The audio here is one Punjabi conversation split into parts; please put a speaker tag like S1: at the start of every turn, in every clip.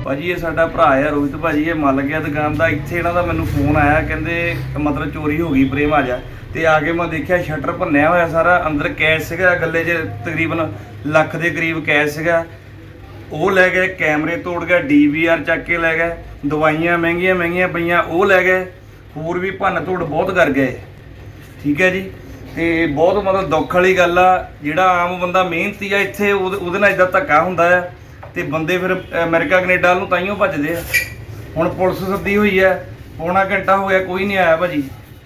S1: ਭਾਜੀ ਇਹ ਸਾਡਾ ਭਰਾ ਆ ਰੋਹਿਤ ਭਾਜੀ, ਇਹ ਮੱਲ ਗਿਆ ਦੁਕਾਨ ਦਾ। ਇੱਥੇ ਇਹਨਾਂ ਦਾ ਮੈਨੂੰ ਫੋਨ ਆਇਆ, ਕਹਿੰਦੇ ਮਤਲਬ ਚੋਰੀ ਹੋ ਗਈ ਪ੍ਰੇਮ ਆ ਜਾ। ਤੇ ਆ ਕੇ ਮੈਂ ਦੇਖਿਆ ਸ਼ਟਰ ਭੰਨਿਆ ਹੋਇਆ ਸਾਰਾ, ਅੰਦਰ ਕੈਸ਼ ਸੀਗਾ ਗੱਲੇ 'ਚ ਤਕਰੀਬਨ ਲੱਖ ਦੇ ਕਰੀਬ ਕੈਸ਼ ਸੀਗਾ, ਉਹ ਲੈ ਗਏ। ਕੈਮਰੇ ਤੋੜ ਗਏ, DVR ਚੱਕ ਕੇ ਲੈ ਗਏ, ਦਵਾਈਆਂ ਮਹਿੰਗੀਆਂ ਪਈਆਂ ਉਹ ਲੈ ਗਏ, ਹੋਰ ਵੀ ਭੰਨ ਤੋੜ ਬਹੁਤ ਕਰ ਗਏ। ਠੀਕ ਹੈ ਜੀ। ਤੇ ਬਹੁਤ ਮਤਲਬ ਦੁੱਖ ਵਾਲੀ ਗੱਲ ਆ, ਜਿਹੜਾ ਆਮ ਬੰਦਾ ਮਿਹਨਤੀ ਆ ਇੱਥੇ ਉਹਦੇ ਨਾਲ ਇਦਾਂ ਧੱਕਾ ਹੁੰਦਾ ਆ, ਤੇ ਬੰਦੇ ਫਿਰ ਅਮਰੀਕਾ ਕੈਨੇਡਾ ਨੂੰ ਤਾਈਓ ਭੱਜਦੇ ਆ। ਹੁਣ ਪੁਲਿਸ ਸੱਦੀ ਹੋਈ ਹੈ, ਪੌਣਾ ਘੰਟਾ ਹੋ ਗਿਆ ਕੋਈ ਨਹੀਂ ਆਇਆ ਭਾਜੀ।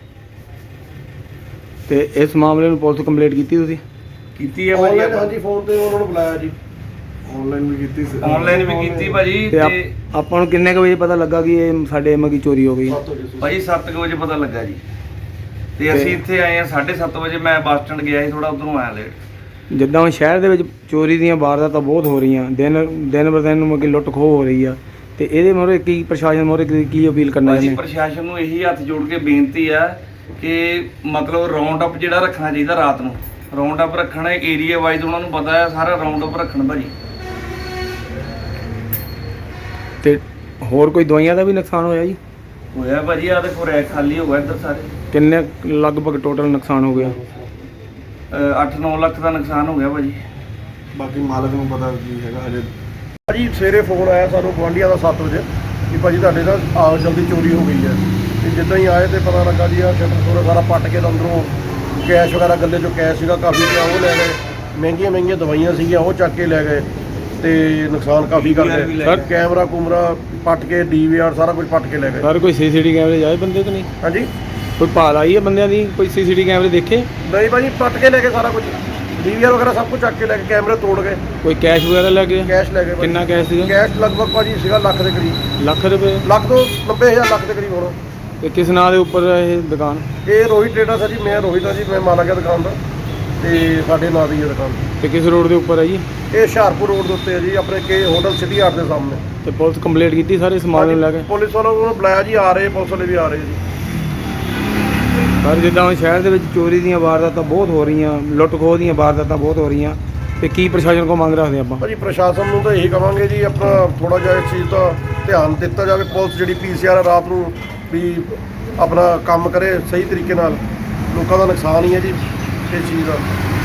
S2: ਤੇ ਇਸ ਮਾਮਲੇ ਨੂੰ ਪੁਲਿਸ ਕੰਪਲੇਂਟ ਕੀਤੀ ਤੁਸੀਂ?
S1: ਕੀਤੀ ਹੈ ਭਾਜੀ।
S3: ਹਾਂਜੀ ਫੋਨ ਤੇ ਉਹਨਾਂ ਨੂੰ ਬੁਲਾਇਆ ਜੀ, ਆਨਲਾਈਨ ਵੀ ਕੀਤੀ ਸੀ,
S1: ਆਨਲਾਈਨ ਵੀ ਕੀਤੀ ਭਾਜੀ।
S2: ਤੇ
S1: ਤੇ
S2: ਆਪਾਂ ਨੂੰ ਕਿੰਨੇ ਕੁ ਵਜੇ ਪਤਾ ਲੱਗਾ ਕਿ ਇਹ ਸਾਡੇ ਮਗੀ ਚੋਰੀ ਹੋ ਗਈ?
S1: ਭਾਜੀ 7 ਵਜੇ ਪਤਾ ਲੱਗਾ ਜੀ, ਤੇ ਅਸੀਂ ਇੱਥੇ ਆਏ ਆ 7:30 ਵਜੇ। ਮੈਂ ਬੱਸ ਸਟੈਂਡ ਗਿਆ ਸੀ, ਥੋੜਾ ਉਧਰੋਂ ਆਇਆ ਲੇਟ।
S2: ਜਿੱਦਾਂ ਹੁਣ ਸ਼ਹਿਰ ਦੇ ਵਿੱਚ ਚੋਰੀ ਦੀਆਂ ਵਾਰਦਾਤਾਂ ਬਹੁਤ ਹੋ ਰਹੀਆਂ, ਦਿਨ ਬਰ ਦਿਨ ਮਗੀ ਲੁੱਟ ਖੋਹ ਹੋ ਰਹੀ ਆ, ਤੇ ਇਹਦੇ ਮੋਰੇ ਕੀ ਪ੍ਰਸ਼ਾਸਨ ਮੋਰੇ ਕੀ ਅਪੀਲ ਕਰਨਾ
S1: ਭਾਜੀ
S2: ਚਾਹੁੰਦੇ?
S1: ਪ੍ਰਸ਼ਾਸਨ ਨੂੰ ਇਹੀ ਹੱਥ ਜੋੜ ਕੇ ਬੇਨਤੀ ਆ ਕਿ ਮਤਲਬ ਰਾਉਂਡ ਅਪ ਜਿਹੜਾ ਰੱਖਣਾ ਚਾਹੀਦਾ, ਰਾਤ ਨੂੰ ਰਾਉਂਡ ਅਪ ਰੱਖਣਾ, ਏਰੀਆ ਵਾਈਜ਼ ਉਹਨਾਂ ਨੂੰ ਪਤਾ ਹੈ ਸਾਰਾ ਰਾਉਂਡ ਅਪ ਰੱਖਣ ਭਾਜੀ।
S2: ਤੇ ਹੋਰ ਕੋਈ ਦਵਾਈਆਂ ਦਾ ਵੀ ਨੁਕਸਾਨ ਹੋਇਆ ਜੀ?
S1: ਹੋਇਆ ਭਾਜੀ, ਆ ਦੇਖੋ ਰੈਕ ਖਾਲੀ ਹੋ ਗਿਆ ਇੱਧਰ ਸਾਰੇ।
S2: ਕਿੰਨੇ ਲਗਭਗ ਟੋਟਲ ਨੁਕਸਾਨ ਹੋ ਗਿਆ?
S1: 8-9 ਲੱਖ ਦਾ ਨੁਕਸਾਨ ਹੋ ਗਿਆ ਭਾਜੀ।
S3: ਬਾਕੀ ਮਾਲਕ ਨੂੰ ਪਤਾ ਕੀ ਹੈਗਾ ਹਜੇ। ਭਾਜੀ ਸਵੇਰੇ ਫੋਨ ਆਇਆ ਸਾਨੂੰ ਗੁਆਂਢੀਆਂ ਦਾ 7 ਵਜੇ ਕਿ ਭਾਜੀ ਤੁਹਾਡੇ ਨਾਲ ਆ ਜਲਦੀ ਚੋਰੀ ਹੋ ਗਈ ਹੈ। ਤੇ ਜਿੱਦਾਂ ਹੀ ਆਏ ਤੇ ਪਤਾ ਲੱਗਾ ਜੀ ਆ ਸ਼ਟਰ ਸਾਰਾ ਪੱਟ ਕੇ ਅੰਦਰੋਂ ਕੈਸ਼ ਵਗੈਰਾ ਗੱਲੇ 'ਚੋਂ ਕੈਸ਼ ਸੀਗਾ ਕਾਫੀ ਪਿਆ, ਉਹ ਲੈ ਗਏ। ਮਹਿੰਗੀਆਂ ਦਵਾਈਆਂ ਸੀਗੀਆਂ ਉਹ ਚੱਕ ਕੇ ਲੈ ਗਏ, ਤੇ ਨੁਕਸਾਨ ਕਾਫੀ ਕਰ ਗਏ।
S1: ਸਰ
S3: ਕੈਮਰਾ ਕੁਮਰਾ ਪੱਟ ਕੇ, DVR ਸਾਰਾ ਕੁਝ ਪੱਟ ਕੇ ਲੈ ਗਏ।
S2: ਸਰ ਕੋਈ CCTV ਕੈਮਰੇ ਜਾਏ ਬੰਦੇ ਕਿ ਨਹੀਂ?
S3: ਹਾਂਜੀ
S2: ਕੋਈ ਭਾਲ ਆਈ ਹੈ ਬੰਦਿਆਂ ਦੀ? ਕੋਈ CCTV ਕੈਮਰੇ ਦੇਖੇ?
S3: ਨਹੀਂ ਭਾਜੀ ਪੱਟ ਕੇ ਲੈ ਗਏ ਸਾਰਾ ਕੁਝ, DVR ਵਗੈਰਾ ਸਭ ਕੁਝ ਚੱਕ ਕੇ ਲੈ ਕੇ, ਕੈਮਰੇ ਤੋੜ ਗਏ,
S2: ਕੋਈ ਕੈਸ਼ ਵਗੈਰਾ ਲੈ ਗਏ?
S3: ਕੈਸ਼ ਲੈ ਗਏ।
S2: ਕਿੰਨਾ ਕੈਸ਼ ਸੀਗਾ?
S3: ਕੈਸ਼ ਲਗਭਗ ਭਾਜੀ ਸੀਗਾ ਲੱਖ ਦੇ ਕਰੀਬ।
S2: ਲੱਖ ਰੁਪਏ?
S3: ਲੱਖ ਤੋਂ 90,000 ਲੱਖ ਦੇ ਕਰੀਬ ਹੋਣਾ।
S2: ਤੇ ਕਿਸ ਨਾਂ ਦੇ ਉੱਪਰ ਇਹ ਦੁਕਾਨ?
S3: ਇਹ ਰੋਹਿਤ ਟ੍ਰੇਡਰਸ ਹੈ ਜੀ, ਮੈਂ ਰੋਹਿਤ ਹਾਂ ਜੀ, ਮੈਂ ਮਾਲਕ ਹਾਂ ਦੁਕਾਨ ਦਾ, ਤੇ ਸਾਡੇ ਨਾਂ ਦੀ ਹੈ ਦੁਕਾਨ।
S2: ਤੇ ਕਿਸ ਰੋਡ ਦੇ ਉੱਪਰ ਹੈ ਜੀ?
S3: ਇਹ ਹੁਸ਼ਿਆਰਪੁਰ ਰੋਡ ਦੇ ਉੱਤੇ ਹੈ ਜੀ, ਆਪਣੇ ਕੇ ਹੋਟਲ ਸਿਟੀ ਆਰਟ ਦੇ ਸਾਹਮਣੇ।
S2: ਤੇ ਪੁਲਿਸ ਕੰਪਲੇਂਟ ਕੀਤੀ ਸਾਰੇ ਸਮਾਨ ਨੂੰ ਲੈ ਕੇ?
S3: ਪੁਲਿਸ ਵਾਲਿਆਂ ਨੂੰ ਬੁਲਾਇਆ ਜੀ, ਆ ਰਹੇ, ਪੁਲਿਸ ਵਾਲੇ ਵੀ ਆ ਰਹੇ ਜੀ।
S2: ਪਰ ਜਿੱਦਾਂ ਹੁਣ ਸ਼ਹਿਰ ਦੇ ਵਿੱਚ ਚੋਰੀ ਦੀਆਂ ਵਾਰਦਾਤਾਂ ਬਹੁਤ ਹੋ ਰਹੀਆਂ, ਲੁੱਟ ਖੋਹ ਦੀਆਂ ਵਾਰਦਾਤਾਂ ਬਹੁਤ ਹੋ ਰਹੀਆਂ, ਤੇ ਕੀ ਪ੍ਰਸ਼ਾਸਨ ਕੋਲ ਮੰਗ ਰੱਖਦੇ ਆਪਾਂ?
S3: ਭਾਜੀ ਪ੍ਰਸ਼ਾਸਨ ਨੂੰ ਤਾਂ ਇਹੀ ਕਵਾਂਗੇ ਜੀ, ਆਪਣਾ ਥੋੜਾ ਜਿਹਾ ਇਸ ਚੀਜ਼ ਦਾ ਧਿਆਨ ਦਿੱਤਾ ਜਾਵੇ। ਪੁਲਿਸ ਜਿਹੜੀ PCR ਰਾਤ ਨੂੰ ਵੀ ਆਪਣਾ ਕੰਮ ਕਰੇ ਸਹੀ ਤਰੀਕੇ ਨਾਲ। ਲੋਕਾਂ ਦਾ ਨੁਕਸਾਨ ਹੀ ਹੈ ਜੀ ਇਸ ਚੀਜ਼ ਦਾ।